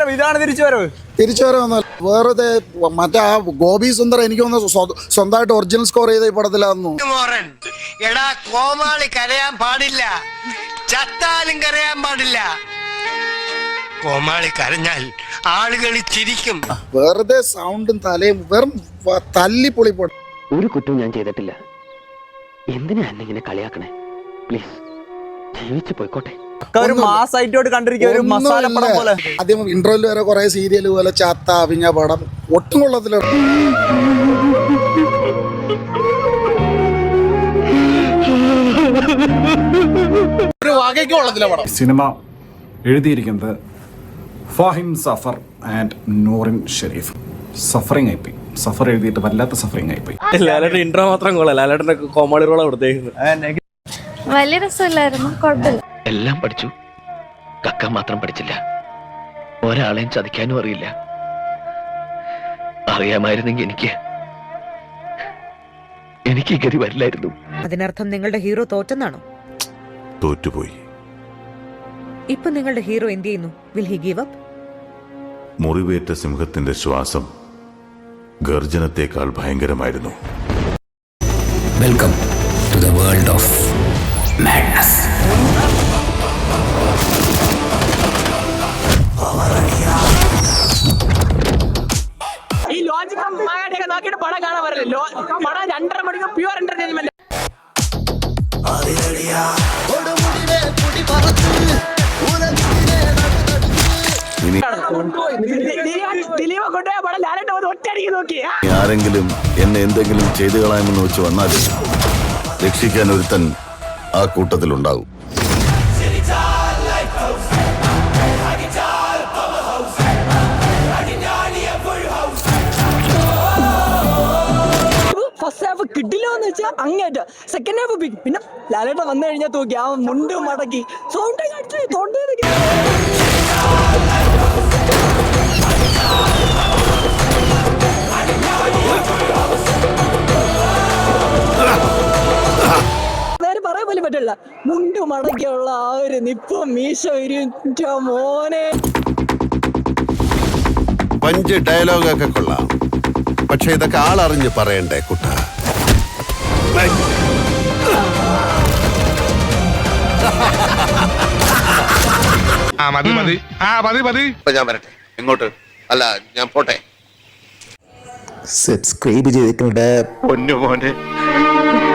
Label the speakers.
Speaker 1: വരവ്, ഇതാണ് തിരിച്ചുവരവ്.
Speaker 2: തിരിച്ചുവരവൊന്നുമല്ല, വെറുതെ മറ്റേ ആ ഗോപി സുന്ദർ എനിക്ക് തോന്നുന്നു സ്വന്തമായിട്ട് ഒറിജിനൽ സ്കോർ ചെയ്ത ഈ പടത്തിലായിരുന്നു.
Speaker 3: എടാ കോമാളി കരയാൻ പാടില്ല, ചത്താലും കരയാൻ പാടില്ല. കോമാളി കരഞ്ഞാൽ ആളുകൾ ചിരിക്കും.
Speaker 2: വെറുതെ സൗണ്ടും തലയും വെറും തല്ലിപ്പൊളി പടം.
Speaker 4: ഒരു കുറ്റവും ഞാൻ ചെയ്തിട്ടില്ല. എന്തിനാ എന്നെ ഇങ്ങനെ കളിയാക്കണേ? പ്ലീസ് ജീവിച്ചു പോയിക്കോട്ടെ.
Speaker 1: ഒരു മാസായിട്ട് കണ്ടിരിക്കുക, ഒരു മസാല പടം പോലെ.
Speaker 2: ആദ്യം ഇന്റർവെൽ വരെ കുറെ സീരിയൽ പോലെ ചാത്ത അഭിഞ്ഞ പടം ഒട്ടും കൊള്ളത്തില്ല.
Speaker 1: ഒരു വകയ്ക്ക് കൊള്ളത്തില്ല പടം.
Speaker 5: സിനിമ എഴുതിയിരിക്കുന്നത് ഫാഹിം സഫർ ആൻഡ് നൂറിൻ ഷെരീഫ്. സഫറിങ് ആയിപ്പോയി. സഫർ എഴുതിയിട്ട് വല്ലാത്ത സഫറിങ് ആയിപ്പോയി.
Speaker 6: ലാലേട്ടൻ ഇൻട്രോ മാത്രം കൊള്ളാം. ലാലേട്ടന്റെ കോമഡി റോളാണ് കൊടുത്തേക്കുന്നത്.
Speaker 7: വലിയ രസമില്ലായിരുന്നു, കുഴപ്പമില്ല.
Speaker 4: എല്ലാം പഠിച്ചു, കക്ക മാത്രം പഠിച്ചില്ല. ഒരാളെയും ചതിക്കാനും അറിയില്ല. അറിയാമായിരുന്നെങ്കിൽ എനിക്ക് ഗതി വരില്ലായിരുന്നു.
Speaker 8: അതിനർത്ഥം നിങ്ങളുടെ ഹീറോ തോറ്റെന്നാണോ?
Speaker 9: തോറ്റുപോയി.
Speaker 8: ഇപ്പൊ നിങ്ങളുടെ ഹീറോ എന്ത് ചെയ്യുന്നു? Will he give up?
Speaker 9: മുറിവേറ്റ സിംഹത്തിന്റെ ശ്വാസം ഗർജനത്തെക്കാൾ ഭയങ്കരമായിരുന്നു.
Speaker 4: Welcome to the world of madness.
Speaker 6: ഈ ലോജിക്കും മായാടിയൊക്കെ നോക്കിയിട്ട് പടം കാണാൻ പറയല്ലോ. പടം 2.5 മണിക്കൂർ പ്യൂർ എന്റർടൈൻമെന്റ്. ദിലീപ് കൊണ്ടുപോയ പടം ലാലേട്ടൻ വന്ന് ഒറ്റയടിക്ക് നോക്കി.
Speaker 9: ആരെങ്കിലും എന്നെ എന്തെങ്കിലും ചെയ്തു കളയാമെന്ന് വെച്ച് വന്നാലും രക്ഷിക്കാൻ ഒരുത്തൻ ആ കൂട്ടത്തിലുണ്ടാവും.
Speaker 6: ഫസ്റ്റ് ഹാഫ് കിട്ടില്ലോന്ന് വെച്ചാൽ അങ്ങേറ്റ, സെക്കൻഡ് ഹാഫ് ബിഗ്. പിന്നെ ലാലേട്ടൻ വന്നു കഴിഞ്ഞാൽ തൂക്കി ആ മുണ്ട് മടക്കി സൗണ്ട് പറയാൻ പോലും പറ്റില്ല. മുണ്ട് മടക്കിയുള്ള ആ ഒരു നിപ്പം മീശ മോനെ.
Speaker 9: പഞ്ച് ഡയലോഗൊക്കെ കൊള്ളാം, പക്ഷെ ഇതൊക്കെ ആളറിഞ്ഞ് പറയണ്ടേ കുട്ട. ഞാൻ വരട്ടെ. എങ്ങോട്ട്? അല്ല, ഞാൻ പോട്ടെ.
Speaker 4: സബ്സ്ക്രൈബ് ചെയ്തിട്ടുണ്ട് പൊന്നു മോനെ.